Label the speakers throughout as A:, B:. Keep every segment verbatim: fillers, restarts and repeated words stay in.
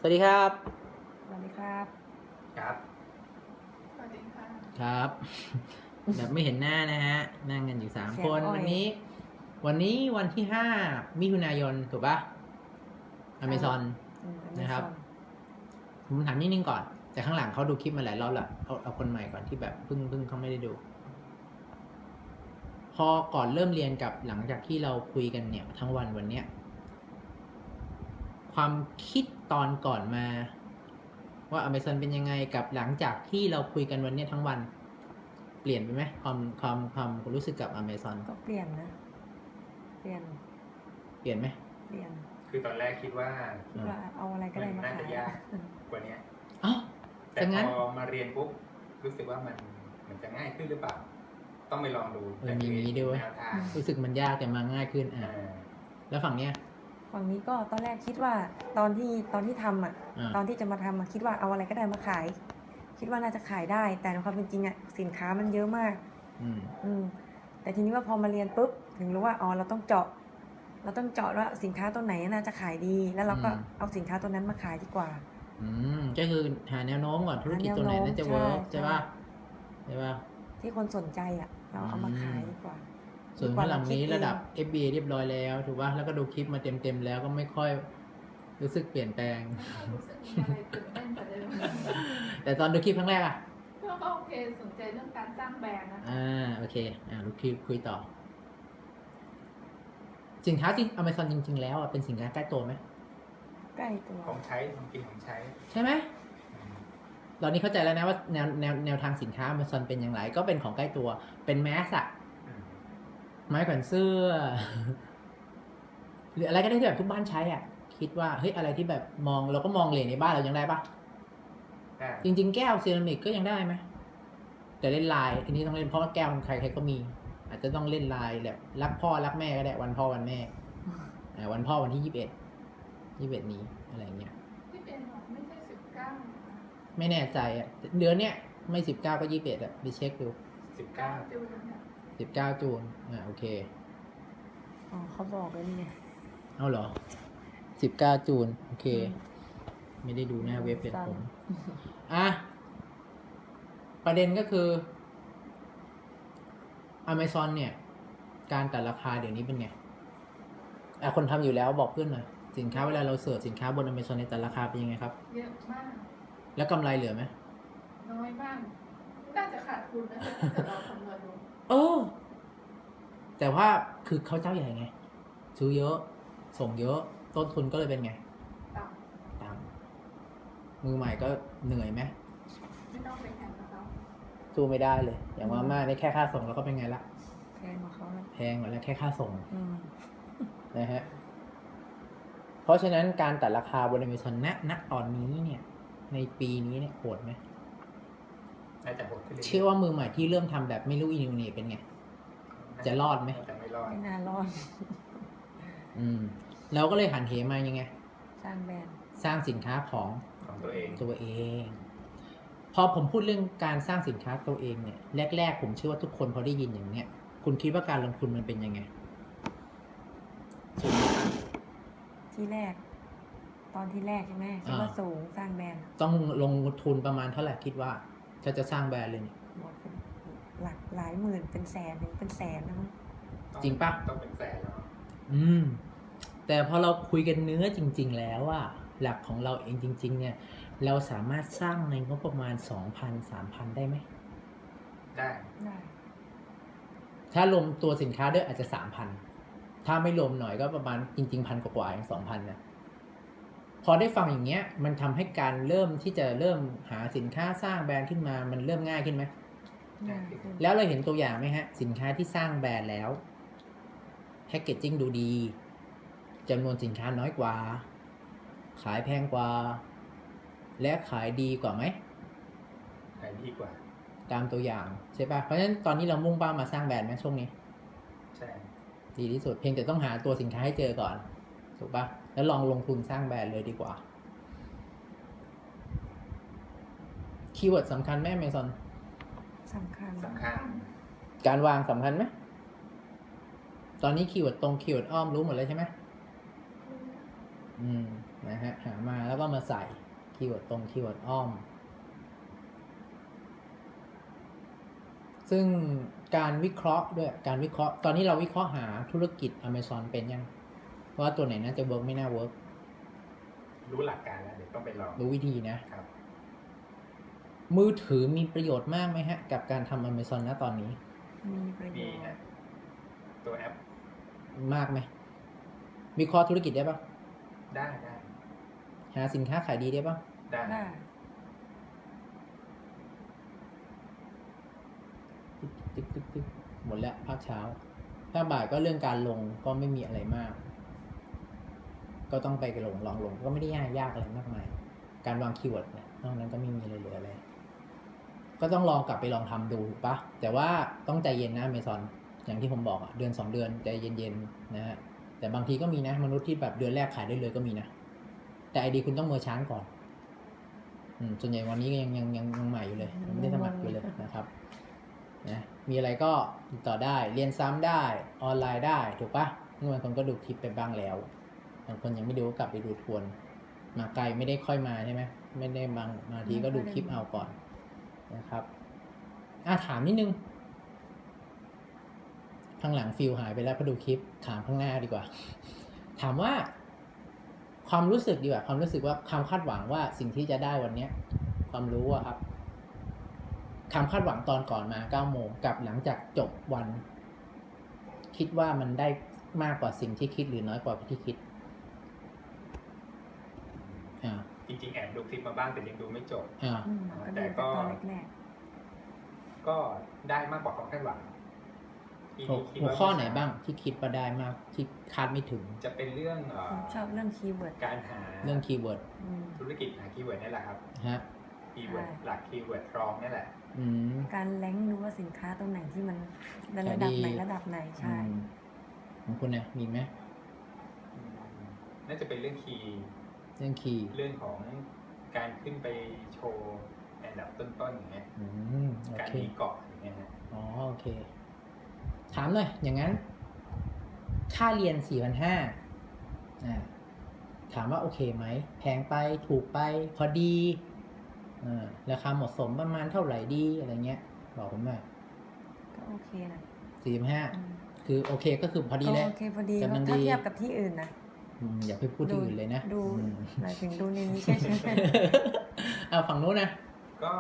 A: สวัสดีครับ
B: สวัสดีครับ
C: ครับ
D: สวัสดีค่ะ
A: ครับ แบบไม่เห็นหน้านะฮะนั่งกันอยู่สามคน
B: อ้อย
A: วันนี้ วันนี้วันที่ห้ามิถุนายนถูกปะอเมซอน
B: อืม
A: นะครับ
B: Amazon
A: ผมถามนิดนึงก่อน แต่ข้างหลังเขาดูคลิปมาหลายรอบละเอาเอาคนใหม่ก่อนที่แบบเพิ่งเพิ่งเขาไม่ได้ดู พอก่อนเริ่มเรียนกับหลังจากที่เราคุยกันเนี่ยทั้งวันวันเนี้ยความคิดตอนก่อนมา ว่า Amazon เป็นยังไงกับหลังจากที่เราคุยกันวันเนี้ยทั้งวัน เปลี่ยนไปไหมความความความรู้สึกกับ Amazon
B: ก็เปลี่ยนนะ เปลี่ยน
A: เปลี่ยนไหม
B: เปลี่ยน
C: คือตอนแรกคิดว่า
B: คิดว่าเอาอะไรก็ได้มา
C: น่า
B: ขา
C: จะ
B: ย
C: ยากกว่านี้
A: อ๋อ
C: แต่
A: แต่งั้น
C: พอมาเรียนปุ๊บรู้สึกว่ามันมันจะง่ายขึ้นหรือเปล่า ต้องไปลองดู
A: เออมีมีด้วย
C: แนวทาง
A: รู้สึกมันยากแต่มาง่ายขึ้นอ่ะ
C: อ่า
A: แล้วฝั่งเนี้ย
B: ฝั่งนี้ก็ตอนแรกคิดว่าตอนที่ตอนที่ทำอ่ะ
A: อ่า
B: ตอนที่จะมาทำอะคิดว่าเอาอะไรก็ได้มาขาย คิดว่าน่าจะขายได้ แต่ในความเป็นจริงอ่ะสินค้ามันเยอะมาก
A: อืม
B: อืม แต่ทีนี้ว่าพอมาเรียนปุ๊บถึงรู้ว่าอ๋อเราต้องเจาะ เราต้องเจาะว่าสินค้าตัวไหนน่าจะขายดี แล้วเราก็
A: อืม
B: เอาสินค้าตัวนั้นมาขายดีกว่า
A: อืมก็คือหาแนวโน้มก่อนธุรกิจ
B: หาแนว
A: ตัวไหนน่าจะ
B: โน้ม
A: เวิร์ก
B: ใช่
A: ใช่ป่ะใช่ป่ะ
B: ที่คนสนใจอ่ะ เราเอามาขายดีกว่า
A: ส่วน
B: ดีก
A: ข้า
B: ว่าง
A: หลังนี้
B: เาคิ
A: ระดับ
B: เอง
A: เอฟ บี เอ เรียบร้อยแล้วถูกป่ะแล้วก็ดูคลิปมาเต็มๆแล้วก็ไม่ค่อยรู้สึกเปลี่ยนแปลง
D: รู้สึกมีอะไรตื่นเต้นกว่าเดิม
A: แต่ตอนดูคลิปครั้งแรกอ่ะ
D: ก็โอเคสนใจเรื่องการสร้างแบรนด์นะคะ
A: อ่าโอเคอ่าดูคลิปคุยต่อ สินค้าจริง Amazon จริง ๆ แล้วอ่ะเป็นสินค้าใกล้ตัวไหม
B: ใกล้ตัว
C: ของใช้ของกินของใช้
A: ใช่ไหม
C: อืม
A: ตอนนี้เข้าใจแล้วนะว่าแนวแนวแนวทางสินค้า Amazon เป็นอย่างไร ก็เป็นของใกล้ตัวเป็นแมสอะ
C: อืม
A: ไม้แขวนเสื้อ หรืออะไรก็ได้ที่แบบทุกบ้านใช้อ่ะ คิดว่าเฮ้ยอะไรที่แบบมองเราก็มองเหรียญในบ้านเรายังได้ปะ
C: ได้
A: จริง ๆ แก้วเซรามิกก็ยังได้ไหมแต่เล่นลายอันนี้ต้องเล่นเพราะว่าแก้วมันใครใครก็มี อาจจะต้องเล่นลายแบบรักพ่อรักแม่ก็ได้วันพ่อวันแม่อ่าวันพ่อวันที่ยี่สิบเอ็ดยี่สิบเอ็ดนี้อะไรเงี้ย
D: ที่เป็นหรอกไม่ใช่สิบเก้า
A: ไม่แน่ใจอ่ะเดือนเนี้ยไม่สิบเก้าก็ยี่สิบเอ็ดอ่ะไปเช็คดู
C: สิบเก้า
D: จูนเนี่ย
A: สิบเก้าจูนอ่าโอเค
B: อ๋อเขาบอกแล้วนี่ไง
A: เอาเหรอสิบเก้าจูนโอเค ไม่ได้ดูหน้าเว็บเพจผม อ่ะ ประเด็นก็คือ Amazon เนี่ย การตัดราคาเดี๋ยวนี้เป็นไงอ่ะคนทำอยู่แล้วบอกเพื่อนหน่อย สินค้าเวลาเราเสิร์ชสินค้าบน Amazon ในยตัดราคาเป็นยังไงครับ
D: เยอะมาก
A: แล้วกำไรเหลือไหม
D: น้อยมากน่าจะขาดทุนนะถ้าเกิดเราคำนวณดู
A: เออ แต่ว่าคือเขาเจ้าใหญ่ไง ซื้อเยอะ ส่งเยอะ ต้นทุนก็เลยเป็นไง
D: ต่
A: ตามมือใหม่ก็เหนื่อยไหม
D: ำไม่ต้องไปแข่งกับเขา
A: สู้ไม่ได้เลย อย่างมาม่านี่แค่ค่าส่งแล้วก็เป็นไงละ
B: แพงกว่าเขาแล้ว
A: แพงกว่าแล้วแค่ค่าส่ง
B: อืม
A: นะฮะ เพราะฉะนั้นการตัดราคาบน Amazon ณณตอนนี้เนี่ย ในปีนี้เนี่ยโหดไหม
C: น่าจะหดขึ้นเรื่อยๆ
A: เชื่อว่ามือใหม่ที่เริ่มทำแบบไม่รู้อีนิวเนี่ยเป็นไง จะรอดไหม
C: น่าจะไม่รอด
B: ไม่น่ารอด
A: อืมเราก็เลยหันเหมายังไง
B: สร้างแบรนด์
A: สร้างสินค้าของ
C: ของตัวเอง
A: ตัวเอง พอผมพูดเรื่องการสร้างสินค้าตัวเองเนี่ย แรก ๆ ผมเชื่อว่าทุกคนพอได้ยินอย่างเนี้ย คุณคิดว่าการลงทุนมันเป็นยังไง
B: ที่แรก ตอนที่แรกใช่ไหมคิดว่าสูงสร้างแบรนด์
A: ต้องลงทุนประมาณเท่าไหร่คิดว่าถ้าจะสร้างแบรนด์เลยเนี่ย
B: หมดเป็นหลักหลายหมื่นเป็นแสนหนึ่งเป็นแสนนะมั้ง
A: จริงปะ
C: ต้องเป็นแสนแล้ว
A: อืม แต่พอเราคุยกันเนื้อจริง ๆ แล้วอะหลักของเราเองจริง ๆ เนี่ย เราสามารถสร้างในงบประมาณ สองพัน สามพัน ได้ไหม
C: ได้
B: ได้
A: ถ้ารวมตัวสินค้าด้วยอาจจะ สามพัน ถ้าไม่รวมหน่อยก็ประมาณจริง ๆ พันกว่าๆอย่างสองพันนะพอได้ฟังอย่างเงี้ย มันทำให้การเริ่มที่จะเริ่มหาสินค้าสร้างแบรนด์ขึ้นมา มันเริ่มง่ายขึ้นไหม
B: ง่ายขึ้น
A: แล้วเราเห็นตัวอย่างไหมฮะ สินค้าที่สร้างแบรนด์แล้วแพคเกจจิ้งดูดีจำนวนสินค้าน้อยกว่า ขายแพงกว่า และขายดีกว่าไหม
C: ขายดีกว่า
A: ตามตัวอย่างใช่ปะเพราะฉะนั้นตอนนี้เรามุ่งเป้ามาสร้างแบรนด์ไหมช่วงนี้
C: ใช่
A: ดีที่สุดเพียงแต่ต้องหาตัวสินค้าให้เจอก่อนถูกปะแล้วลองลงทุนสร้างแบรนด์เลยดีกว่าคีย์เวิร์ดสำคัญไหมเมซอน
B: สำคัญ
C: สำคัญ
A: การวางสำคัญไหมตอนนี้คีย์เวิร์ดตรงคีย์เวิร์ดอ้อมรู้หมดเลยใช่ไหมอืมนะฮะหามาแล้วก็มาใส่คีย์เวิร์ดตรงคีย์เวิร์ดอ้อม ซึ่งการวิเคราะห์ด้วยการวิเคราะห์ตอนนี้เราวิเคราะห์หาธุรกิจ Amazon เป็นยังว่าตัวไหนน่าจะเวิร์กไม่น่าเวิร์ก
C: รู้หลักการแล้วเดี๋ยวต้องไปลอง
A: รู้วิธีนะ
C: ครับ
A: มือถือมีประโยชน์มากไหมฮะ กับการทำ Amazon ณตอนนี้
B: มีประโย
C: มี
B: ช
C: ฮะ
B: น์
C: ตัวแอป
A: มากไหมวิเคราะห์ธุรกิจได้ปะ
C: ได้ได้
A: หาสินค้าขายดีได้ปะ
C: ได้
B: ได้
A: ตึ๊กตึ๊กตึ๊กหมดแล้วภาคเช้าภาคบ่ายก็เรื่องการลงก็ไม่มีอะไรมาก ก็ต้องไปลงลองลงก็ไม่ได้ยากยากอะไรมากมาย การวางคีย์เวิร์ดเนี่ยนอกนั้นก็ไม่มีอะไรเหลืออะไร ก็ต้องลองกลับไปลองทำดูถูกปะแต่ว่าต้องใจเย็นนะเมซอนอย่างที่ผมบอกอะเดือนสองเดือนใจเย็นๆนะฮะแต่บางทีก็มีนะมนุษย์ที่แบบเดือนแรกขายได้เลยก็มีนะแต่ไอดีคุณต้องเมอร์ชานก่อนอืมส่วนใหญ่วันนี้ก็ยังยังยังยังใหม่อยู่เลยยังไม่ได้สมัครอยู่เลยนะครับนะมีอะไรก็ติดต่อได้เรียนซ้ำได้ออนไลน์ได้ถูกปะบางคนก็ดูคลิปไปบ้างแล้วบางคนยังไม่ดูก็กลับไปดูทวนมาไกลไม่ได้ค่อยมาใช่ไหมไม่ได้บางมาทีก็ดูคลิปเอาก่อนนะครับอ่ะถามนิดนึงข้างหลังฟิลหายไปแล้วพอดูคลิปถามข้างหน้าดีกว่า ถามว่าความรู้สึกดีกว่าความรู้สึกว่าความคาดหวังว่าสิ่งที่จะได้วันเนี้ยความรู้อะครับความคาดหวังตอนก่อนมาเก้าโมงกับหลังจากจบวัน คิดว่ามันได้มากกว่าสิ่งที่คิดหรือน้อยกว่าที่คิดอ่า
C: จริงๆแอบดูคลิปมาบ้างแต่ยังดูไม่จบ
A: อ่า
B: อืมก็
C: แต่
B: ดู
C: ก็
B: ตอนแรก
C: ก็ได้มากกว่าความคาดหวังที่
A: หัว
C: คิด
A: หัว
C: ว่า
A: ข้อไหนบ้างที่คิดว่าได้มากที่คาดไม่ถึง
C: จะเป็นเรื่องเอ่
B: ๆ
C: อ
B: ผมชอบเรื่องคีย์เวิร์ด
C: การหา
A: เรื่องคีย์เวิร์ด
B: อืม
C: ธุรกิจหาคีย์เวิร์ดนี่แหละครับ
A: ฮะ
C: คีย์เวิร์ด
B: ใช่
C: หลักคีย์เวิร์ดรองนี่แหละ
A: อืม
B: การแรงค์ดูว่าสินค้าตรงไหนที่มันระ
A: ขาย
B: ดับ
A: ดี
B: ไหนระดับไหนใช่
A: อืมของคุณเนี่ยมีไหม
C: อืมน่าจะเป็นเรื่องคีย์
A: เรื่องคีย์
C: เรื่องของการขึ้นไปโชว์อันดับต้นๆอย่างเงี้ย
A: อืมโอ
C: การ
A: เค
C: มีเกาะอย่างเงี้ยฮะ
A: อ๋อโอเค ถามหน่อยอย่างนั้น ค่าเรียนสี่พันห้าอ่าถามว่าโอเคไหมแพงไปถูกไปพอดีอ่าราคาเหมาะสมประมาณเท่าไหร่ดีอะไรเงี้ย บอกผมหน่อย
B: ก็โอเคนะ
A: สี่พันห้า
B: อืม
A: คือโอเคก็คือพอดีเลย
B: โอเคพอดี
A: กำลัง
B: ถ้า
A: ดี
B: เทียบกับที่อื่นนะ
A: อืมอย่าไปพูดที่อื่นเลยนะ
B: ดู
A: อืม
B: หมายถึงดูในนี้ใช่ไหม
A: เอาฝั่งนู้นนะ
C: ก็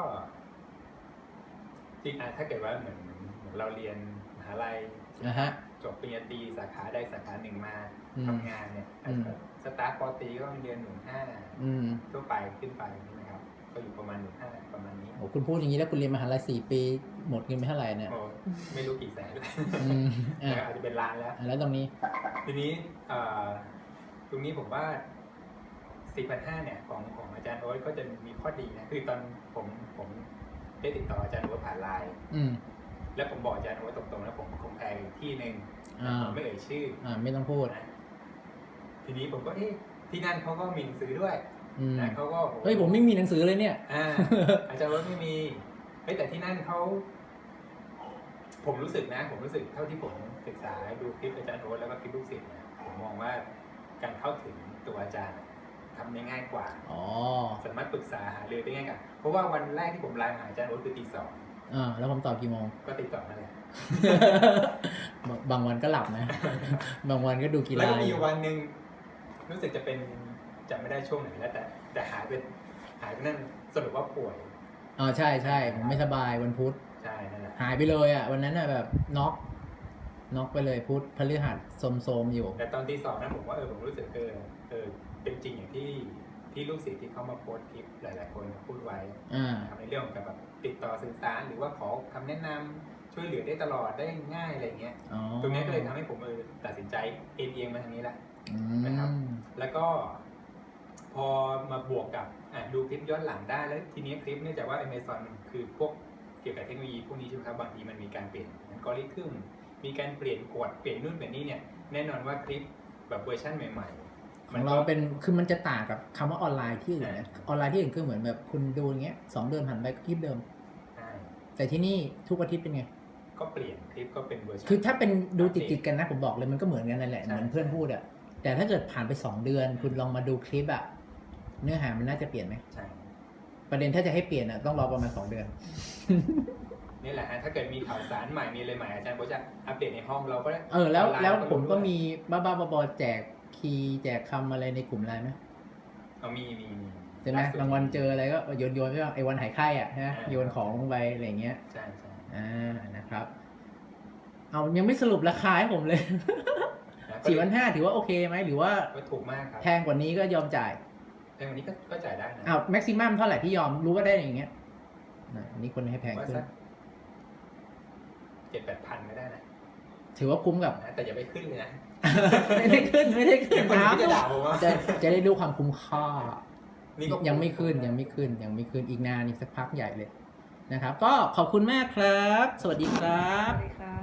C: จริงอ่ะถ้าเกิดว่าเหมือนเหมือนเราเรียนมหาลัย
A: นะฮะ
C: จบปริญญาตรีสาขาใดสาขาหนึ่งมา
A: อืม
C: ทำงานเนี่ยอาจ
A: อื
C: จะ
A: ม
C: สตาร์ทปอตรีก็เรียนหนึ่งห้า
A: อืม
C: ทั่วไปขึ้นไปนะครับ ก็อยู่ประมาณหนึ่งห้าประมาณนี้
A: โอ้คุณพูดอย่างนี้แล้วคุณเรียนมหาลัยสี่ปีหมดเงินไปเท่าไหร่เนี่ย
C: โอ้ไม่รู้กี่แสนเลย
A: อืมอ่ะ
C: แต่อาจจะเป็นล้านแล้ว
A: อ่ะแล้วตรงนี้
C: ทีนี้เอ่อตรงนี้ผมว่าสี่พันห้าเนี่ยของของอาจารย์โอ๊ตก็จะมีข้อดีนะคือตอนผมผมได้ติดต่ออาจารย์โอ๊ตผ่านไลน์
A: อืม
C: แล้วผมบอกอาจารย์โอ๊ตตรงๆแล้วผมคงแพงอีกที่หนึ่ง
A: อ่า
C: ผมไม่เอ่ยชื่อ
A: อ่าไม่ต้องพูด
C: นะทีนี้ผมก็เอ๊ะที่นั่นเขาก็มีหนังสือด้วย
A: อืม
C: นะเขาก็
A: เฮ้ยผมไม่มีหนังสือเลยเนี่ย
C: อ่า อาจารย์โอ๊ตไม่มีเฮ้ยแต่ที่นั่นเขาผมรู้สึกนะ ผมรู้สึกเท่าที่ผมศึกษาดูคลิปอาจารย์โอ๊ตแล้วก็คลิปลูกศิษย์นะผมมองว่าการเข้าถึงตัวอาจารย์ทำได้ง่ายกว่า
A: อ๋อ
C: สามารถปรึกษาหารือได้ง่ายกว่าเพราะว่าวันแรกที่ผมไลน์หาอาจารย์โอ๊ตคือตีสอง
A: อ่าแล้วผมตอบกี่โมง
C: ก็ตีสองนั่นแหละ
A: บางบางวันก็หลับนะ บางวันก็ดูกี
C: แล้ว
A: ฬา
C: ก็มี
A: อยู่
C: วันหนึ่งรู้สึกจะเป็นจำไม่ได้ช่วงไหนแล้วแต่แต่หายไปหายไปนั่นสรุปว่าป่วย
A: อ๋อใช่ใช่ผมไม่สบายวันพุธ
C: ใช่นั่นแหละ
A: หายไปเลยอ่ะ วันนั้นอ่ะแบบน็อกน็อกไปเลยพุธพฤหัสโสมๆอยู่
C: แต่ตอนตีสองนั้นผมว่าเออผมรู้สึกเออเออเป็นจริงอย่างที่ที่ลูกศิษย์ที่เขามาโพสต์คลิปหลาย ๆ คนพูดไว้
A: อ่า
C: ทำในเรื่องของการแบบติดต่อสื่อสารหรือว่าขอคำแนะนำช่วยเหลือได้ตลอดได้ง่ายอะไรเงี้ย
A: อ๋อ
C: ตรงนี้ก็เลยทำให้ผมเออตัดสินใจเอ็นเอียงมาทางนี้แหละ
A: อื
C: นะครับ
A: ม
C: แล้วก็พอมาบวกกับอ่ะดูคลิปย้อนหลังได้แล้วทีนี้คลิปเนื่องจากว่า Amazon คือพวกเกี่ยวกับเทคโนโลยีพวกนี้ใช่ไหมครับบางทีมันมีการเปลี่ยนอัลกอริทึมมีการเปลี่ยนกฎเปลี่ยนนู่นเปลี่ยนนี่เนี่ยแน่นอนว่าคลิปแบบเวอร์ชันใหม่ๆ
A: ของเราเป็นคือมันจะต่างกับคำว่าออนไลน์ที่อื่นนะออนไลน์ที่อื่นคือเหมือนแบบคุณดูอย่างเงี้ยสองเดือนผ่านไปก็คลิปเดิม
C: ใช่
A: แต่ที่นี่ทุกอาทิตย์เป็นไง
C: ก็เปลี่ยนคลิปก็เป็นเวอร์ชัน
A: คือถ้าเป็นดูติดติดๆกันนะผมบอกเลยมันก็เหมือนกันนั่นแหละ
C: ใช่
A: เหมือนเพื่อนพูดอะแต่ถ้าเกิดผ่านไปสองเดือน คุณลองมาดูคลิปอะเนื้อหามันน่าจะเปลี่ยนไหม
C: ใช่
A: ประเด็นถ้าจะให้เปลี่ยนอ่ะต้องรอประมาณสองเดือน
C: นี่แหละฮะถ้าเกิดมีข่าวสารใหม่มีอะไรใหม่อาจารย์ก็จะอัปเดตในห้องเราก็ได้
A: เออแล้ว
C: ไน์
A: แล้ว
C: เรา
A: ผมก็
C: รู้ด้วย
A: มีบ้าบ้าๆบอๆแจกคีย์แจกคำอะไรในกลุ่มไลน์ไหม
C: เอามีมีมี
A: ใช่ไหม
C: ล่สุด
A: บางวันเจออะไรก็โยนโยนไปว่าไอ้วันหายไข้อ่ะใช่ไหม
C: อ่า
A: โยนของลงไปอะไรอย่างเงี้ย
C: ใช่ใช่
A: อ่านะครับ เอายังไม่สรุปราคาให้ผมเลย
C: นะก็
A: สี่พันห้าถือว่าโอเคไหมหรือว่า
C: ก็ถูกมากครับ
A: แพงกว่านี้ก็ยอมจ่าย
C: แพงกว่านี้ก็ก็จ่ายได้นะ
A: อ้าวแม็กซิมัมเท่าไหร่ที่ยอมรู้ว่าได้อย่างเงี้ยนะอันนี้คนให้แพง
C: ว่า
A: ขึ้น
C: สักเจ็ดแปดพันไม่ได้นะ
A: ถือว่าคุ้มกับ
C: นะแต่อย่าไปขึ้นเลยนะ
A: ไม่ได้ขึ้นไม่ได้ขึ้น
C: เดี๋ยวคน
A: ครับ
C: ที่จะด่าผมว่า
A: จะจะได้รู้ความคุ้มค่า
C: นี่ก็
A: ยังไม่ขึ้นยังไม่ขึ้นยังไม่ขึ้นอีกนานอีกสักพักใหญ่เลยนะครับ ก็ขอบคุณมากครับ สวัสดีครั
B: ส
A: บ
B: วัสดีครับ